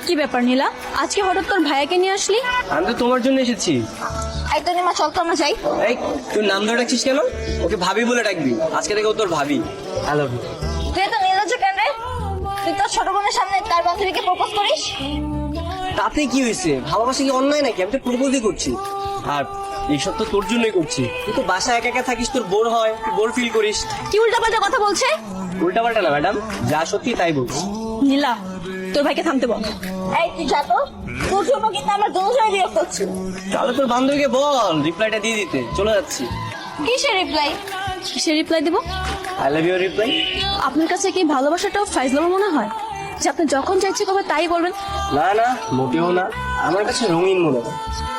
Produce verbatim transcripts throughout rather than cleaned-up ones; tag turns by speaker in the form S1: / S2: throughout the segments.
S1: কি ব্যাপার নীলা, আজকে হঠাৎ তোর ভাইয়াকে নিয়ে আসলি?
S2: আমি তো তোমার জন্য এসেছি।
S1: এই তো নিমা, চল তো আমরা যাই।
S2: এই তুই নাম ধরে ডাকছিস কেন? ওকে ভাবি বলে ডাকবি, আজকে থেকে ও তোর ভাবি। I love you.
S1: তুই তো নীলা যে কেন রে? তুই তোর ছোট বোনের সামনে তার বান্ধবীকে প্রপোজ করিস?
S2: তাতে কি হয়েছে? ভালোবাসা কি অন্যায় নাকি? আমি তো প্রপোজই করছি। আর এইসব তো তোর জন্যই করছি। তুই তো বাসায় একা একা থাকিস, তোর বোর হয়, বোর ফিল করিস।
S1: কি উল্টাপাল্টা কথা বলছে?
S2: উল্টাপাল্টা না ম্যাডাম, যা সত্যি তাই বলছি।
S1: নীলা, তোর ভাইকে থামতে বল। এই তুই যা তো, তোর জন্য কিন্তু আমরা দুজনে বিরক্ত হচ্ছি।
S2: তাহলে তোর বান্ধবীকে বল রিপ্লাইটা দিয়ে দিতে, চলে যাচ্ছি।
S1: কিসের রিপ্লাই? কিসের রিপ্লাই দেবো?
S2: I love you reply.
S1: আপনার কাছে কি ভালোবাসাটাও ফাইজলামো মনে হয় যে আপনি যখন চাইছে কবে তাই বলবেন?
S2: না না, মোটেও না, আমার কাছে রঙিন মনে হয়।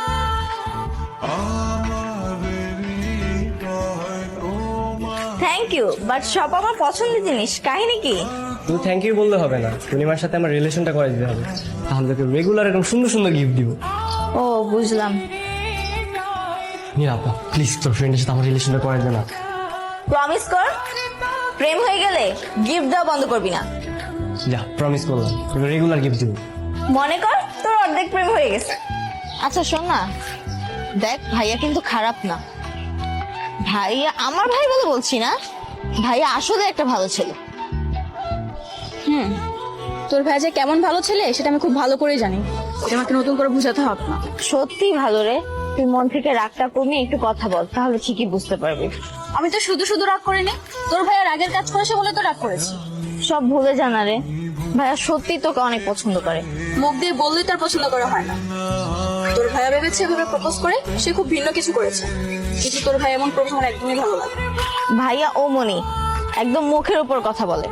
S1: থ্যাংক ইউ, বাট সব আমার পছন্দের জিনিস। কাহিনী কি?
S2: তুমি থ্যাংক ইউ বললে হবে না, পূর্ণিমার সাথে আমার রিলেশনটা করে দিতে হবে, তাহলে তোকে রেগুলার এরকম সুন্দর সুন্দর গিফট দিব।
S1: ও বুঝলাম।
S2: নিরাপা প্লিজ তোর ফ্রেন্ডের সাথে আমার রিলেশনটা করে দে না।
S1: প্রমিস কর, প্রেম হয়ে গেলে গিফট দেওয়া বন্ধ করবি না।
S2: যা, প্রমিস করলাম, তোকে রেগুলার গিফট দিব।
S1: মনে কর তোর অর্ধেক প্রেম হয়ে গেছে। আচ্ছা শোন না, দেখ ভাইয়া কিন্তু খারাপ না। ভাইয়া আমার ভাই বলে বলছি না, ভাইয়া আসলে একটা ভালো ছেলে। হুম, তোর ভাই যে কেমন ভালো ছেলে সেটা আমি খুব ভালো করে জানি, এটা আমাকে নতুন করে বুঝাতে হবে না। সত্যি ভালো রে, তুই মন থেকে রাগটা কমিয়ে একটু কথা বল, তাহলে ঠিকই বুঝতে পারবি। আমি তো শুধু শুধু রাগ করিনি, তোর ভাইয়া রাগের কাজ করেছে বলে তো রাগ করেছি। সব ভুলে জানা রে, ভাইয়া সত্যি তোকে অনেক পছন্দ করে। মুখ দিয়ে বললেই তার পছন্দ করা হয় না। তোর ভাইয়া ভেবেছে এভাবে প্রপোজ করে সে খুব ভিন্ন কিছু করেছে, কিন্তু তোর ভাই এমন প্রপোজ আমার একদমই ভালো লাগে। ভাইয়া ও মনি একদম মুখের উপর কথা বলে।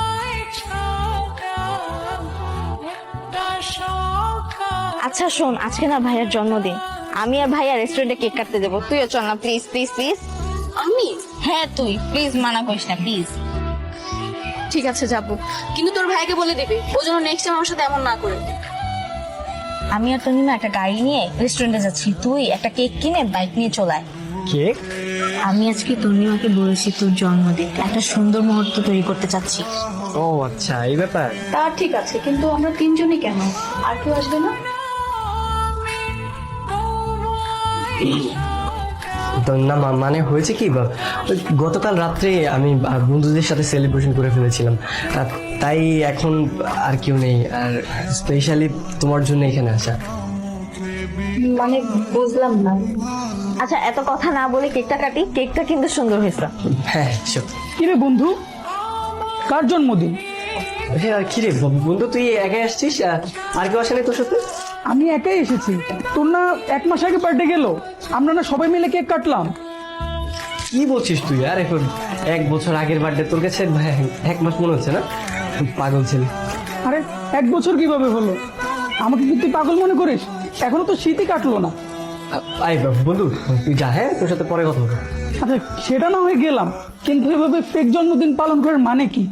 S1: আচ্ছা শোন, আজকে না ভাইয়ার জন্মদিন, আমি আর ভাইয়া রেস্টুরেন্টে কেক কাটতে যাবো, তুইও চল না প্লিজ প্লিজ প্লিজ। আমি? হ্যাঁ তুই, প্লিজ মানা করিস না প্লিজ। ঠিক আছে যাবো, কিন্তু তোর ভাইকে বলে দিবি ও যেন নেক্সট টাইম আমার সাথে এমন না করে। আমি আর তনিমা একটা গাড়ি নিয়ে রেস্টুরেন্টে যাচ্ছি, তুই একটা কেক কিনে বাইক নিয়ে চলে আয়।
S2: কেক?
S1: আমি আজকে তনিমাকে বলেছি তোর জন্মদিন, একটা সুন্দর মুহূর্ত তৈরি করতে চাচ্ছি।
S2: ও আচ্ছা, এই ব্যাপার।
S1: তা ঠিক আছে, কিন্তু আমরা তিনজনই কেন, আর কেউ আসবে না?
S2: তো না মা- মানে হয়েছে কি বা, ওই গতকাল রাত্রে আমি আহ, বন্ধুদের সাথে সেলিব্রেশন করে ফেলেছিলাম, আর তাই এখন আর কেউ নেই, আর স্পেশালি তোমার জন্য এখানে আসা।
S1: মানে বুঝলাম না। আচ্ছা এত কথা না বলে কেকটা কাটি, কেকটা কিন্তু সুন্দর হয়েছে।
S2: হ্যাঁ sure।
S3: কিরে বন্ধু, কার জন্মদিন?
S2: হ্যাঁ কিরে ব- বন্ধু, তুই একাই আসছিস? আহ, আর কেউ আসে নাই তোর সাথে?
S3: আমি একাই এসেছি। তোর না এক মাস আগে বার্থডে গেল, আমরা না সবাই মিলে কেক কাটলাম।
S2: কি বলছিস তুই? আর এখন এক বছর আগের বার্থডে তোর কাছে এক মাস মনে হচ্ছে না? পাগল ছেলে।
S3: আরে এক বছর কিভাবে হলো? আমাকে কি তুই পাগল মনে করিস? এখনো তো শীতই কাটলো না।
S2: আহ, আয় বা- বন্ধু তুই যা, হ্যাঁ তোর সাথে পরে কথা হবে।
S3: আচ্ছা সেটা না হয়ে গেলাম, কিন্তু এভাবে ফেক জন্মদিন পালন করার মানে কি?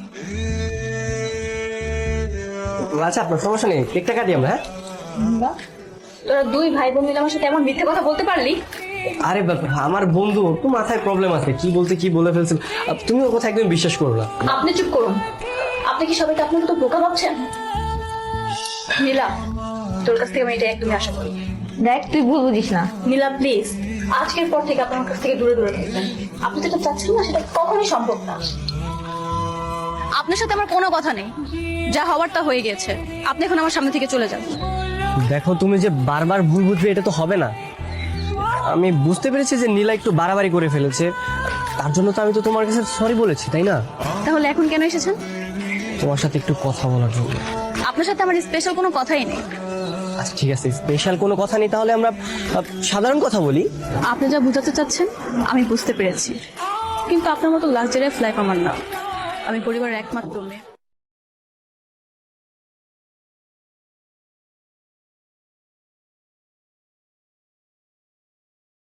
S2: আচ্ছা আপনার সমস্যা নেই, কেকটা কাটি আমরা। হ্যাঁ
S1: তোরা দুই ভাই বোন মিলে আমার সাথে এমন মিথ্যে কথা বলতে পারলি?
S2: আরে বাবা, আমার বন্ধু ওর তো মাথায় প্রবলেম আছে, কি বলতে কি বলে ফেলছিল। আহ, তুমি ওর কথা একদম বিশ্বাস করো না।
S1: আপনি চুপ করুন, আপনি কি সবাইকে আপনার মতো বোকা ভাবছেন? নীলা, তোর কাছ থেকে আমি এটা একদমই আশা করি। দেখ তুই ভুল বুঝিস না। নীলা প্লিজ, আজকের পর থেকে আপনার কাছ থেকে দূরে দূরে থাকবেন। আপনি যেটা চাচ্ছেন না সেটা কখনোই সম্ভব না। আপনার সাথে আমার কোনো কথা নেই, যা হওয়ার তা হয়ে গেছে। আপনি এখন আমার সামনে থেকে চলে যান।
S2: দেখো তুমি যে বারবার ভুল বুঝবে এটা তো হবে না। আমি বুঝতে পেরেছি যে নীলা একটু বাড়াবাড়ি করে ফেলেছে, তার জন্য তো আমি তো তোমার কাছে সরি বলেছি, তাই না?
S1: তাহলে এখন কেন এসেছেন?
S2: তোমার সাথে একটু কথা বলার জন্য।
S1: আপনার সাথে আমার স্পেশাল কোনো কথাই নেই।
S2: আচ্ছা ঠিক আছে, স্পেশাল কোনো কথা নেই, তাহলে আমরা আহ, সাধারণ কথা বলি।
S1: আপনি যা বুঝাতে চাচ্ছেন আমি বুঝতে পেরেছি, কিন্তু আপনার মতো লাক্সারি লাইফ আমার না। আমি পরিবারের একমাত্র মেয়ে।